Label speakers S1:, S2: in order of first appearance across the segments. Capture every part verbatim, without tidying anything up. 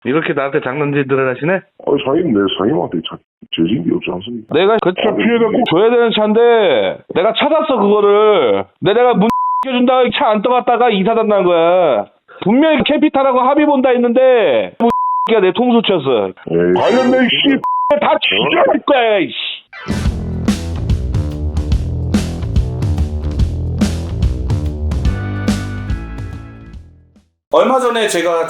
S1: 이렇게 나한테 장난질들을 하시네?
S2: 아, 사장님, 내 사장님한테 자, 죄진 게 없지 않습니까?
S1: 내가 그 차 피해자 꼭 줘야 되는 차인데 내가 찾았어 그거를. 내가 문 껴준다고 차 안 떠갔다가 이사단 난 거야. 분명히 캐피탈하고 합의 본다 했는데 뭐 X가 내 통수 쳤어.
S2: 에이,
S1: 관련된 씨 다 죽여버릴 거야 이씨.
S3: 얼마 전에 제가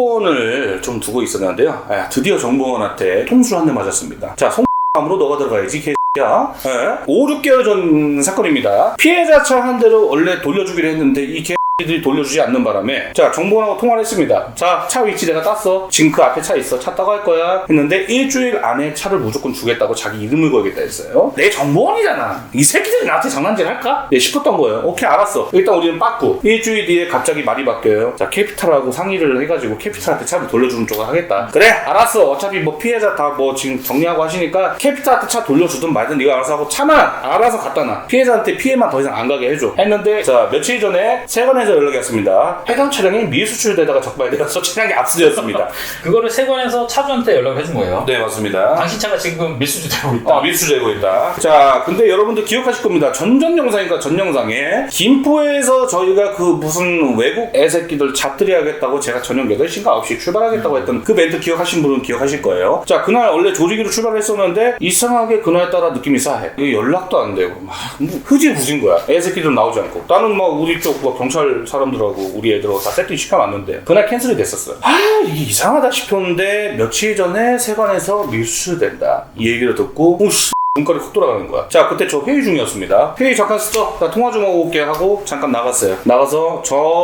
S3: 정보원을 좀 두고 있었는데요. 아, 드디어 정보원한테 통수를 한 대 맞았습니다. 자, 송함으로 너가 들어가야지 개X야. 네. 오, 육 개월 전 사건입니다. 피해자 차 한 대로 원래 돌려주기로 했는데 이 개 들이 돌려주지 않는 바람에 자 정보원하고 통화를 했습니다. 자, 차 위치 내가 땄어. 지금 그 앞에 차 있어. 차 따고 할 거야 했는데 일주일 안에 차를 무조건 주겠다고 자기 이름을 걸겠다 했어요. 내 정보원이잖아. 이 새끼들이 나한테 장난질 할까? 네, 싶었던 거예요. 오케이, 알았어. 일단 우리는 빠꾸. 일주일 뒤에 갑자기 말이 바뀌어요. 자, 캐피탈하고 상의를 해가지고 캐피탈한테 차를 돌려주는 쪽을 하겠다. 그래, 알았어. 어차피 뭐 피해자 다 뭐 지금 정리하고 하시니까 캐피탈한테 차 돌려주든 말든 네가 알아서 하고 차만 알아서 갖다 놔. 피해자한테 피해만 더 이상 안 가게 해줘 했는데, 자, 며칠 전에 세관에서 연락이 왔습니다. 해당 차량이 미수출되다가 적발되어서 차량이 압수되었습니다.
S4: 그거를 세관에서 차주한테 연락을 해준 거예요.
S3: 네, 맞습니다.
S4: 당신 차가 지금 밀수되고 있다.
S3: 아, 밀수되고 있다. 자, 근데 여러분들 기억하실 겁니다. 전전 영상이니까 전 영상에 김포에서 저희가 그 무슨 외국 애새끼들 잡들이 하겠다고 제가 저녁 여덟 시인가 아홉 시에 출발하겠다고 했던 그 멘트 기억하신 분은 기억하실 거예요. 자, 그날 원래 조리기로 출발했었는데 이상하게 그날따라 느낌이 싸해. 이게 연락도 안 되고 막 흐지부진 거야. 애새끼들 나오지 않고. 나는 막 우리 쪽 뭐 경찰 사람들하고 우리 애들하고 다 세팅 시켜놨는데 그날 캔슬이 됐었어요. 아, 이게 이상하다 싶었는데 며칠 전에 세관에서 밀수된다 이 얘기를 듣고 오씨 눈깔이 콕 돌아가는 거야. 자, 그때 저 회의 중이었습니다. 회의 잠깐 스톱. 자, 통화 좀 하고 올게 하고 잠깐 나갔어요. 나가서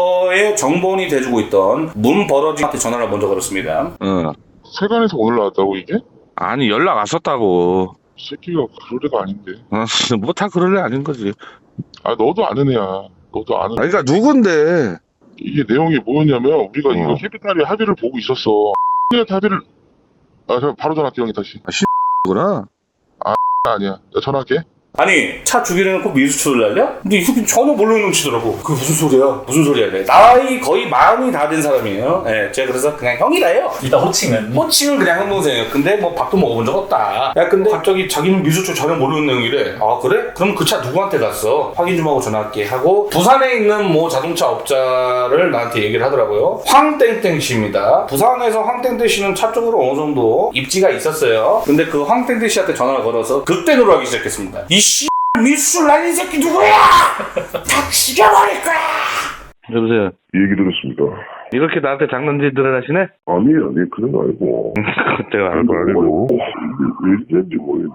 S3: 저의 정보원이 돼주고 있던 문버러지한테 전화를 먼저 걸었습니다.
S1: 응.
S2: 세관에서 오늘 나왔다고 이게?
S1: 아니 연락 왔었다고.
S2: 이 새끼가 그럴 애가 아닌데.
S1: 뭐 다 그럴 애 아닌 거지.
S2: 아, 너도 아는 애야. 너도 아는.
S1: 아니 그러니까 누군데?
S2: 이게 내용이 뭐였냐면 우리가
S1: 어.
S2: 이거 캐피탈이 합의를 보고 있었어. X한테 합의를. 아, 저 바로 전화할게 형이 다시.
S1: 구나.
S2: 아니야. 나 전화할게.
S3: 아니, 차 주기로 해놓고 밀수출을 날려? 근데 이 새끼 전혀 모르는 놈치더라고. 그게 무슨 소리야? 무슨 소리야? 이래. 나이 거의 마흔이 다 된 사람이에요. 예, 제가 그래서 그냥 형이라 해요.
S4: 일단 호칭은
S3: 호칭은 그냥 형 동생이에요. 근데 뭐 밥도 먹어본 적 없다. 야, 근데 갑자기 자기는 밀수출 전혀 모르는 내용이래. 아, 그래? 그럼 그 차 누구한테 갔어? 확인 좀 하고 전화할게 하고 부산에 있는 뭐 자동차 업자를 나한테 얘기를 하더라고요. 황땡땡 씨입니다. 부산에서 황땡땡 씨는 차 쪽으로 어느 정도 입지가 있었어요. 근데 그 황땡땡 씨한테 전화를 걸어서 극대노를 하기 시작했습니다. 이 씨 밀수출 날린 새끼 누구야? 다 죽여버릴 거야!
S1: 여보세요.
S2: 얘기 들었습니다.
S1: 이렇게 나한테 장난질들을 하시네?
S2: 아니에요, 아니 그런 거 아니고.
S1: 내가 알고 아니고.
S2: 왜 이랬는지 모르겠네.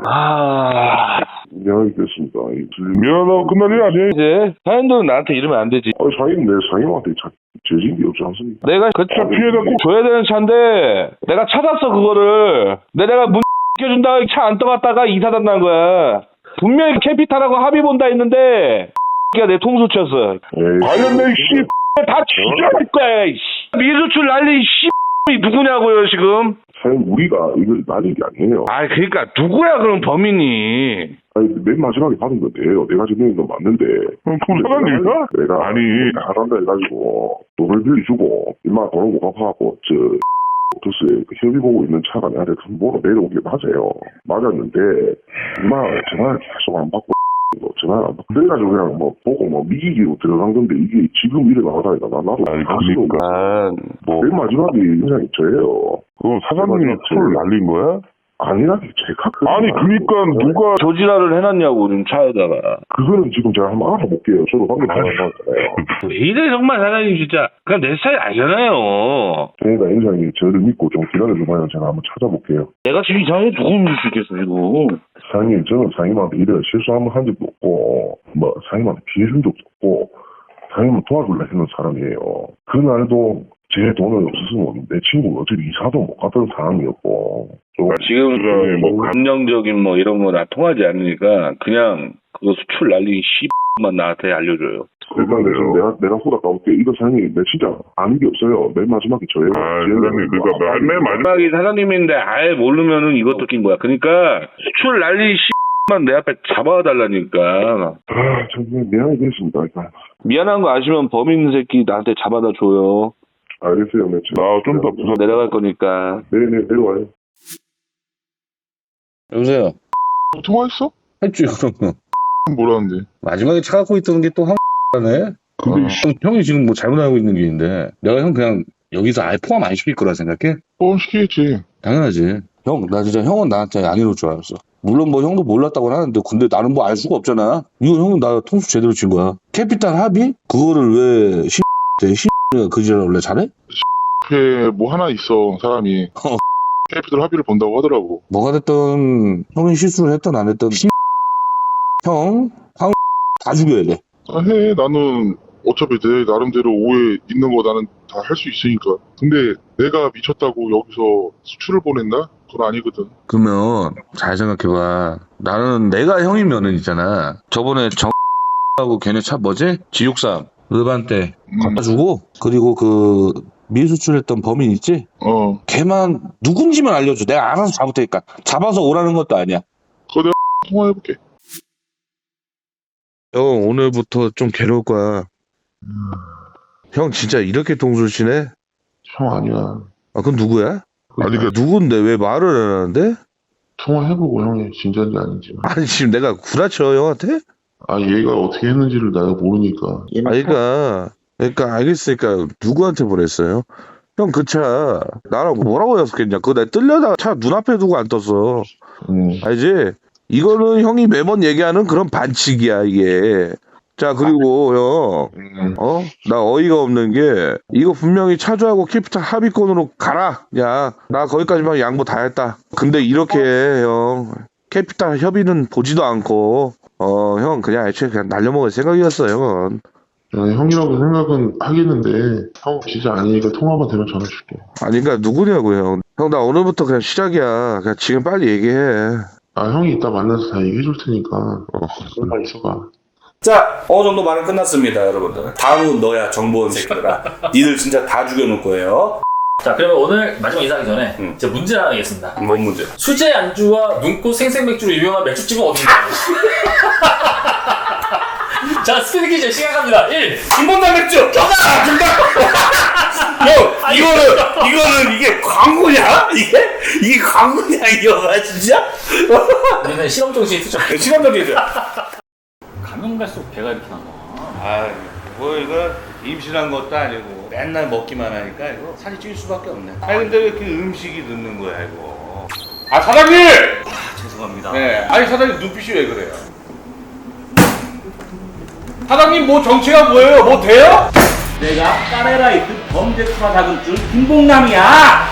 S1: 아,
S2: 미안하게 됐습니다.
S1: 미안하고 끝날 일 아니야 이제. 사연들은 나한테 이러면 안 되지.
S2: 아, 사장님, 내 사장님한테 자, 죄진 게 없지 않습니까?
S1: 내가 그 차 피해자 꼭 줘야 되는 차인데 내가 찾았어 그거를. 내가 문 껴준다고 차 안 떠갔다가 이사단 난 거야. 분명히 캐피탈하고 합의 본다 했는데 X가 내 통수 쳤어.
S2: 에이,
S1: 관련된 씨 다 죽여버릴 거야 이씨. 미수출 날린 씨 누구냐고요 지금.
S2: 사장님, 우리가 이걸 날린 게 아니에요.
S1: 아 그러니까 누구야 그럼 범인이.
S2: 아니, 맨 마지막에 받은 건데요. 내가 지금 건 맞는데.
S1: 그럼 사장님이야?
S2: 내가
S1: 아니.
S2: 잘한다 해가지고 돈을 빌려주고 임마 돈을 못 갚아갖고 저 도스에 그 협의 보고 있는 차가 내한테 정보로 내려온 게 맞아요. 맞았는데 임마 전화를 계속 안 받고 뭐 전화를 안 받고 그래가지고 그냥 뭐 보고 뭐 미기기로 들어간 건데 이게 지금 이래 나가다니까 나 나도
S1: 아니
S2: 가슴이
S1: 그러니까 뭐
S2: 맨 마지막에 인상이 저예요.
S1: 그럼 사장님이 차를 날린 거야?
S2: 아니라니 제가 그
S1: 아니 그러니까 누가 조지라를 해놨냐고 지금 차에다가.
S2: 그거는 지금 제가 한번 알아볼게요. 저도 방금 전화했잖아요.
S1: 왜 이래 정말 사장님 진짜. 그냥 내 스타일 아니잖아요.
S2: 저희가 인상이 저를 믿고 좀 기다려주면 제가 한번 찾아볼게요.
S1: 내가 지금 이상하게 누구 믿을 수 있겠어 지금.
S2: 사장님, 저는 사장님한테 이래 실수 한번 한 적도 없고, 뭐, 사장님한테 피해 준 적도 없고, 사장님을 도와주려 했는 사람이에요. 그날도 제 돈을 없었으면 내 친구가 어차피 이사도 못 갔던 상황이었고, 좀
S1: 지금 뭐 감정적인 뭐 이런 거 나 통하지 않으니까 그냥 그거 수출 날린 씨만 나한테 알려줘요.
S2: 일단 내가, 내가, 내가 후다 까볼게. 이거 사장님, 내 진짜 아는 게 없어요. 맨 마지막에 저예요.
S1: 아, 사장님, 그러니까 맨 마지막에 사장님인데 아예 모르면은 이것도 낀 거야. 그러니까 수출 날린 씨만 내 앞에 잡아달라니까.
S2: 아, 정말 미안하게 됐습니다. 일단.
S1: 미안한 거 아시면 범인 새끼 나한테 잡아다 줘요.
S2: 알겠어요, 네. 나좀 더 부산
S1: 내려갈 거니까.
S2: 네네 내려와요.
S1: 여보세요.
S5: 통화했어?
S1: 했지, 그럼.
S5: 뭐라는데?
S1: 마지막에 차 갖고 있던 게 또 한가네. 근데 형, 형이 지금 뭐 잘못 알고 있는 게 있는데 내가 형 그냥 여기서 아예 포함 안 시킬 거라 생각해?
S5: 포함 시키겠지.
S1: 당연하지. 형, 나 진짜 형은 나한테 안 이럴 줄 알았어. 물론 뭐 형도 몰랐다고는 하는데 근데 나는 뭐 알 수가 없잖아. 이거 형은 나 통수 제대로 친 거야. 캐피탈 합의? 그거를 왜 신 대 신가 그 지랄 원래 잘해?
S5: 앞에 뭐 하나 있어, 사람이.
S1: 어.
S5: 캐피탈 합의를 본다고 하더라고.
S1: 뭐가 됐든 형이 실수를 했든 안 했든 신 형, 황 다 죽여야 돼.
S5: 아, 해. 나는 어차피 내 나름대로 오해 있는 거 나는 다 할 수 있으니까. 근데 내가 미쳤다고 여기서 수출을 보낸다? 그건 아니거든.
S1: 그러면 잘 생각해봐. 나는 내가 형이면은 있잖아. 저번에 정하고 걔네 차 뭐지? 지육삼 르반떼
S5: 음.
S1: 갖다 주고 그리고 그 미수출했던 범인 있지?
S5: 어.
S1: 걔만 누군지만 알려줘. 내가 알아서 잡을 테니까. 잡아서 오라는 것도 아니야.
S5: 그거 내가 통화해볼게.
S1: 형 오늘부터 좀 괴로울 거야. 형 진짜 이렇게 동술 치네?
S5: 형 아니야.
S1: 아 그럼 누구야?
S5: 아니, 그
S1: 누군데 왜 말을 안 하는데?
S5: 통화해보고 형이 진짜인지 아닌지.
S1: 아니 지금 내가 구라쳐 형한테?
S5: 아, 얘가 어떻게 했는지를 내가 모르니까.
S1: 아니 그러니까 그러니까 알겠으니까 누구한테 보냈어요? 형 그 차 나랑 뭐라고 약속했냐? 그거 내가 뜰려다가 차 눈앞에 두고 안 떴어.
S5: 응.
S1: 알지? 이거는 형이 매번 얘기하는 그런 반칙이야 이게. 자 그리고 형
S5: 응.
S1: 어? 나 어이가 없는 게 이거 분명히 차주하고 캐피탈 합의권으로 가라. 야 나 거기까지만 양보 다 했다. 근데 이렇게 해, 형 캐피탈 협의는 보지도 않고 어 형 그냥 애초에 그냥 날려먹을 생각이었어 형은.
S5: 야, 형이라고 생각은 하겠는데 형 진짜 아니니까 통화만 되면 전화 줄게.
S1: 아니 그러니까 누구냐고 형. 형 나 오늘부터 그냥 시작이야. 그냥 지금 빨리 얘기해.
S5: 아, 형이 이따 만나서 다 얘기해 줄 테니까. 어, 그만 있어봐.
S3: 자, 어느 정도 말은 끝났습니다, 여러분들. 다음은 너야, 정보원 새끼들아. 니들 진짜 다 죽여놓을 거예요.
S4: 자, 그러면 오늘 마지막 인사하기 전에
S3: 음.
S4: 제가 문제 하나 내겠습니다.
S3: 뭔 문제?
S4: 수제 안주와 눈꽃 생생맥주로 유명한 맥주집은 어딘가? 자, 스피드 퀴즈 시작합니다. 일.
S3: 김본당 맥주! 정답! 정답! 형, 이거는, 이거는 이게 광고냐? 이게? 이게 광고냐, 이거, 진짜?
S4: 우리는 실험 정신이 투정.
S3: 실험적이죠?
S4: 가면 갈수록 배가 이렇게 나와.
S3: 아, 뭐 이거 임신한 것도 아니고 맨날 먹기만 하니까 이거 살이 찔 수밖에 없네. 아니 근데 왜 이렇게 음식이 늦는 거야 이거? 아 사장님!
S4: 아, 죄송합니다.
S3: 네, 아니 사장님 눈빛이 왜 그래요? 사장님 뭐 정체가 뭐예요? 뭐 돼요?
S6: 내가 까레라이트 범죄 투하 자금줄 김봉남이야.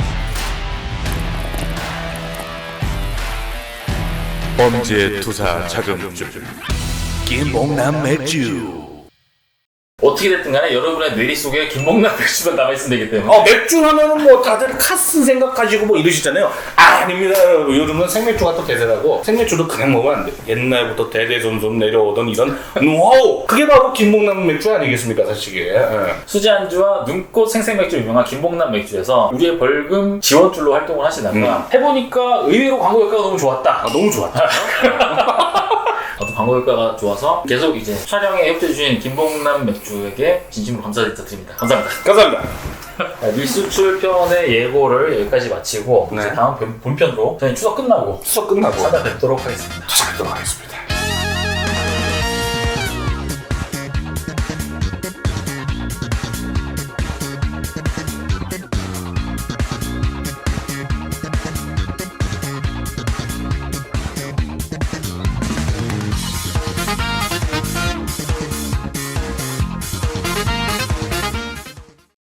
S7: 범죄 투사 자금줄 김봉남 맥주.
S4: 어떻게 됐든 간에 여러분의 뇌리 속에 김봉남 맥주가 남아있으면 되기 때문에.
S3: 어 맥주 하면은 뭐 다들 카스 생각하시고 뭐 이러시잖아요. 아, 아닙니다. 요즘은 생맥주가 또 대세라고. 생맥주도 그냥 먹으면 안 돼. 옛날부터 대대손손 내려오던 이런 노하우. 그게 바로 김봉남 맥주 아니겠습니까, 사실. 예.
S4: 수제 안주와 눈꽃 생생맥주 유명한 김봉남 맥주에서 우리의 벌금 지원줄로 활동을 하시다가 해보니까 의외로 광고 효과가 너무 좋았다.
S3: 아, 너무 좋았다.
S4: 어떤 광고 효과가 좋아서 계속 이제 촬영에 협조해주신 김봉남 맥주에게 진심으로 감사드립니다. 감사합니다.
S3: 감사합니다.
S4: 밀수출 편의 예고를 여기까지 마치고
S3: 네.
S4: 이제 다음 본- 본편으로 저희 추석 끝나고
S3: 수업 끝나고
S4: 찾아뵙도록 하겠습니다.
S3: 찾아뵙도록 하겠습니다.